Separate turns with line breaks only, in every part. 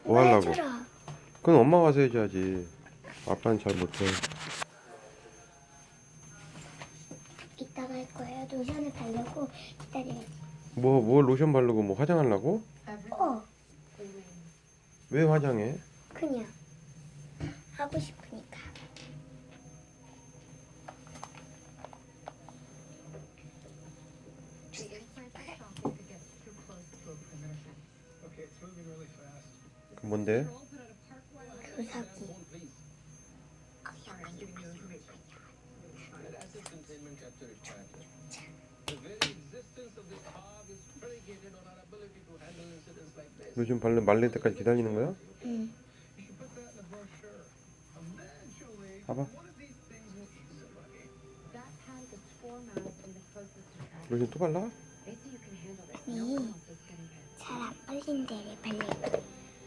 뭐 하려고?
해주라.
그건 엄마가 와서 해줘야지. 아빠는 잘 못해.
이따가 할 거예요. 로션을 바르고 기다려야지.
뭐 로션 바르고 뭐 화장하려고?
어,
왜 화장해?
그냥 하고 싶으니까.
그 뭔데?
교사기.
로션 말릴 때까지 기다리는 거야?
응.
봐봐. 로션 또 발라?
아니, 잘 안 발린 데를 발려.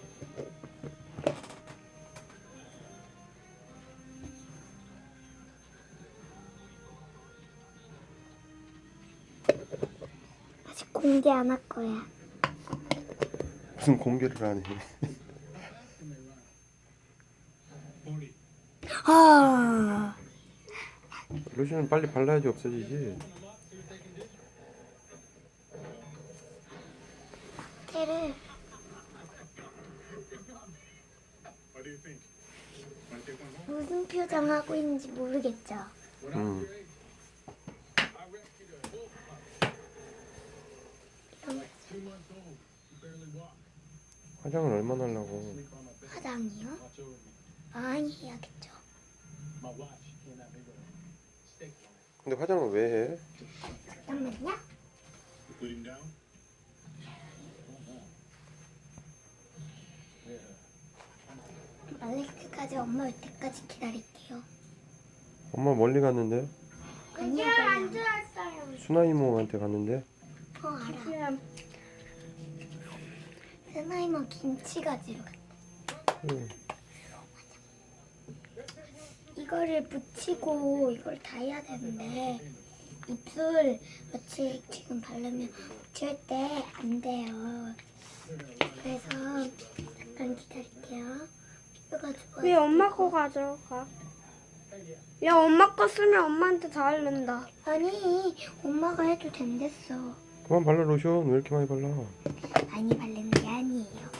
아직 공개 안 할 거야.
무슨 공개를 하니?
아,
로션은 빨리 발라야지 없어지지.
걔를 무슨 표정 하고 있는지 모르겠죠.
응. 화장을 얼마나 하려고?
화장이요? 많이 해야겠죠.
근데 화장을 왜 해?
잠깐만요. 말레이크까지 엄마 올 때까지 기다릴게요.
엄마 멀리 갔는데?
아니요, 안 좋았어요.
수나 이모한테 갔는데?
알아. 세나이모 김치 가지러 갔다.
응.
이거를 붙이고 이걸 다 해야 되는데 입술 같이 지금 바르면 붙일 때 안 돼요. 그래서 잠깐 기다릴게요. 피부가 좋아.
왜 엄마 거 가져가? 야, 엄마 거 쓰면 엄마한테 다 알른다.
아니, 엄마가 해도 된댔어.
그만 발라 로션. 왜 이렇게 많이 발라?
많이 바르는 게 아니에요.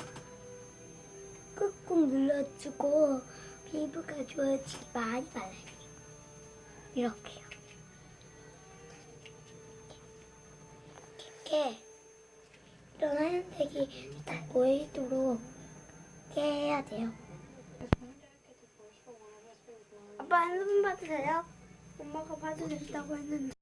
꾹꾹 눌러주고 피부가 좋아지게 많이 발라야 돼요. 이렇게요. 이렇게 이런 하얀색이 딱 보이도록 이렇게 해야 돼요.
아빠 핸드폰 봐도 돼요? 엄마가 봐도 된다고 했는데.